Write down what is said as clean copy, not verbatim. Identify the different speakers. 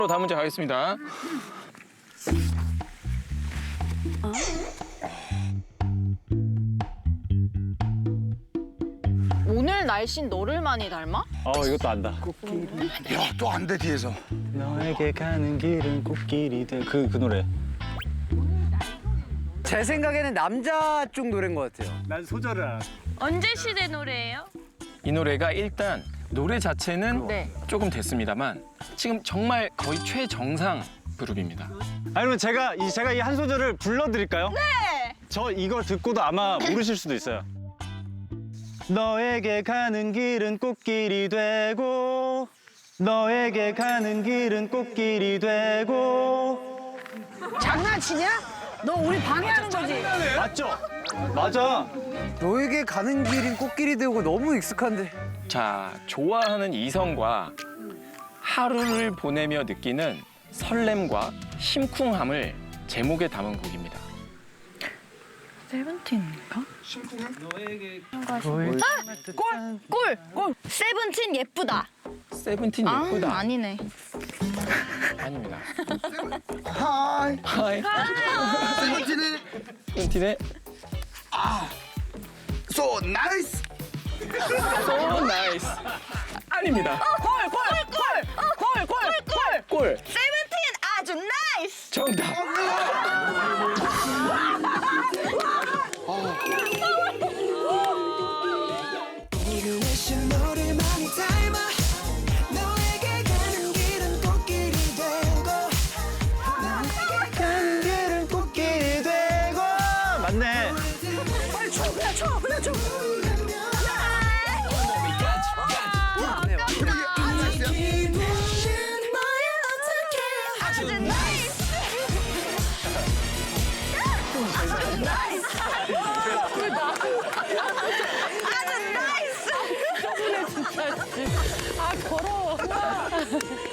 Speaker 1: 다음 문제 가겠습니다.
Speaker 2: 오늘 날씬 너를 많이 닮아?
Speaker 3: 이것도 안다.
Speaker 4: 야, 또 안 돼, 뒤에서.
Speaker 3: 너에게 가는 길은 꽃길이 돼. 그 노래.
Speaker 5: 제 생각에는 남자 쪽 노래인 것 같아요.
Speaker 3: 난 소절을 알아.
Speaker 6: 언제 시대 노래예요?
Speaker 1: 이 노래가 일단 노래 자체는
Speaker 2: 네.
Speaker 1: 조금 됐습니다만 지금 정말 거의 최정상 그룹입니다.
Speaker 3: 아니면 제가 이 한 소절을 불러드릴까요?
Speaker 6: 네.
Speaker 3: 저 이거 듣고도 아마 모르실 수도 있어요. 너에게 가는 길은 꽃길이 되고 너에게 가는 길은 꽃길이 되고.
Speaker 7: 장난치냐? 너 우리 방해하는 거지?
Speaker 3: 맞죠? 맞아.
Speaker 5: 너에게 가는 길인 꽃길이 되고 너무 익숙한데.
Speaker 1: 자, 좋아하는 이성과 하루를 보내며 느끼는 설렘과 심쿵함을 제목에 담은 곡입니다.
Speaker 2: 세븐틴인가?
Speaker 6: 꿀! 세븐틴 예쁘다.
Speaker 1: 세븐틴 예쁘다.
Speaker 2: 아니네.
Speaker 1: 아닙니다.
Speaker 4: 하이.
Speaker 1: 하이.
Speaker 4: 세븐틴의
Speaker 1: 세븐틴의
Speaker 4: So nice.
Speaker 1: So Nice. 아닙니다. 꿀.
Speaker 6: 세븐틴 아주 나이스.
Speaker 1: 정답.
Speaker 8: 너를 많이 닮아 너에게 가는 길은 꽃길이 되고 너에게
Speaker 3: 가는 길은 꽃길이 되고. 맞네.
Speaker 8: 빨리 쳐 그냥 쳐 그냥 쳐 기분은 뭐야 어떡해
Speaker 6: 아주 나이스. 아주 나이스.
Speaker 2: 아, 더러워.